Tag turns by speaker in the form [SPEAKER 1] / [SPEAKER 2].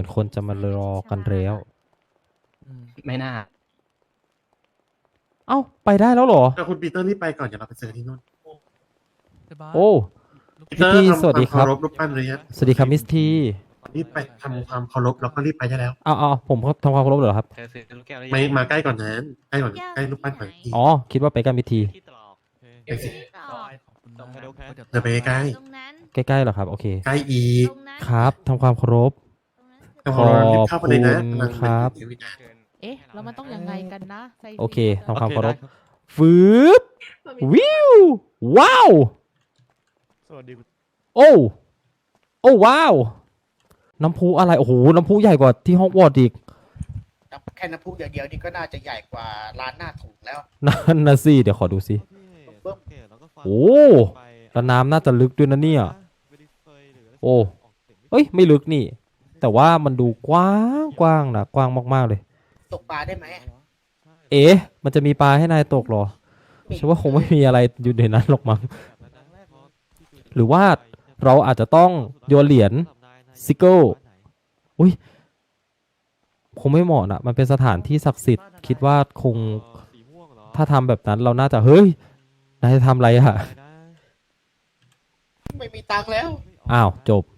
[SPEAKER 1] คนจะมารอกันแล้ว
[SPEAKER 2] ไม่น่า
[SPEAKER 1] เอ้าไปได้แล้วเหรอ
[SPEAKER 3] แต่คุณปีเตอร์รีบไปก่อนเดี๋ยวเราไปเจอที่นู่น
[SPEAKER 1] โอ้
[SPEAKER 3] ปีเตอร์
[SPEAKER 1] พี่
[SPEAKER 3] ทำ
[SPEAKER 1] สวัสดี
[SPEAKER 3] ค
[SPEAKER 1] ครั
[SPEAKER 3] วาม
[SPEAKER 1] บ
[SPEAKER 3] เคารพรูปปั้นเลยฮะ
[SPEAKER 1] สวัสดีครับมิสที
[SPEAKER 3] รีบไปทำความเคารพแล้วก็รีบไปได้แล้ว
[SPEAKER 1] เอาผมทำความเคารพเหรอครับ
[SPEAKER 4] เธอซื้อลูกแก้วได้
[SPEAKER 3] ไม่มาใกล้ก่อนนั้นใกล้ก่อนใกล้รูปปั้นก่อนที
[SPEAKER 1] อ๋อคิดว่าไปกันมิสที
[SPEAKER 4] ที่ตรอก
[SPEAKER 3] ไปสิ
[SPEAKER 4] ส่งไปดูแค่
[SPEAKER 3] เดินไปใกล้
[SPEAKER 5] ตรงนั้น
[SPEAKER 1] ใกล้ๆเหรอครับโอเค
[SPEAKER 3] ใกล้อีก
[SPEAKER 5] ตรงนั้น
[SPEAKER 1] ครับทำความเคารพ
[SPEAKER 3] แต่พอเรารีบเข้าไปเลยนะ
[SPEAKER 1] ขอบคุณ
[SPEAKER 3] กำลัง
[SPEAKER 1] ครับ
[SPEAKER 3] เดินไปนะ
[SPEAKER 5] เอ๊ะแล้วมันต้องยังไงกันนะไซ
[SPEAKER 1] โอเค
[SPEAKER 5] รี
[SPEAKER 1] ทำความเคารพฟืบวิวว้าว
[SPEAKER 6] สวัสดี
[SPEAKER 1] โอ้โอ้ว้าวน้ำพุอะไรโอ้โหน้ำพุใหญ่กว่าที่ฮอกวอตส์อีก
[SPEAKER 7] แค่น้ำพุอย่างเดียวนี่ก็น่าจะใหญ่กว่าร้านหน้าถุงแล้ว
[SPEAKER 1] นั่นนะสิเดี๋ยวขอดูสิ โอ้แล้วน้ำน่าจะลึกด้วยนะเนี่ย โอ้เอ้ยไม่ลึกนี่ แต่ว่ามันดูกว้างกว้างนะกว้างมากๆเลย
[SPEAKER 7] ตกปลาได้ไหม
[SPEAKER 1] เอ๊ะมันจะมีปลาให้นายตกเหรอฉันว่าคงไม่มีอะไรอยู่ในนั้นหรอกมั้งหรือว่าเราอาจจะต้องโยนเหรียญซิกเกิลอุ้ยคงไม่เหมาะนะมันเป็นสถานที่ศักดิ์สิทธิ์คิดว่าคงถ้าทำแบบนั้นเราน่าจะเฮ้ยนายจะทำอะไรอะ
[SPEAKER 7] ไม่มีตังค์แล้ว
[SPEAKER 1] อ้าวจบ